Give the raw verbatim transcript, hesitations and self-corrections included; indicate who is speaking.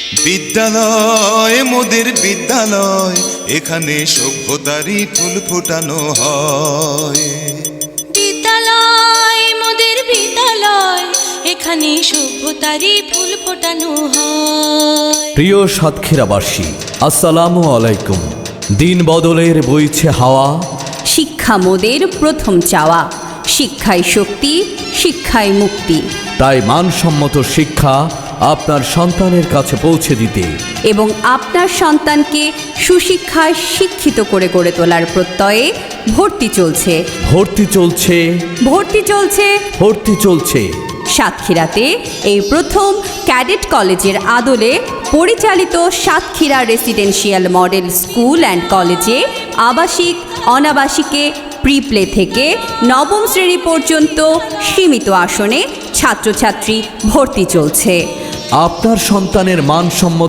Speaker 1: বিদ্যালয় মোদের বিদ্যালয়, এখানে সভ্যতারই ফুল ফোটানো হয়।
Speaker 2: বিদ্যালয় মোদের বিদ্যালয়, এখানে সভ্যতারই ফুল ফোটানো হয়।
Speaker 3: প্রিয় সাতক্ষীরাবাসী, আসসালামু আলাইকুম। দিন বদলের বইছে হাওয়া,
Speaker 4: শিক্ষা মোদের প্রথম চাওয়া। শিক্ষাই শক্তি, শিক্ষাই মুক্তি।
Speaker 3: তাই মানসম্মত শিক্ষা আপনার সন্তানের কাছে পৌঁছে দিতে
Speaker 4: এবং আপনার সন্তানকে সুশিক্ষায় শিক্ষিত করে গড়ে তোলার প্রত্যয়ে ভর্তি চলছে
Speaker 3: ভর্তি চলছে
Speaker 4: ভর্তি চলছে
Speaker 3: ভর্তি চলছে
Speaker 4: সাতক্ষীরাতে এই প্রথম ক্যাডেট কলেজের আদলে পরিচালিত Satkhira residential model school and কলেজে আবাসিক অনাবাসিকে প্রি প্লে থেকে নবম শ্রেণী পর্যন্ত সীমিত আসনে ছাত্রছাত্রী ভর্তি চলছে।
Speaker 3: আপনার সন্তানের মানসম্মত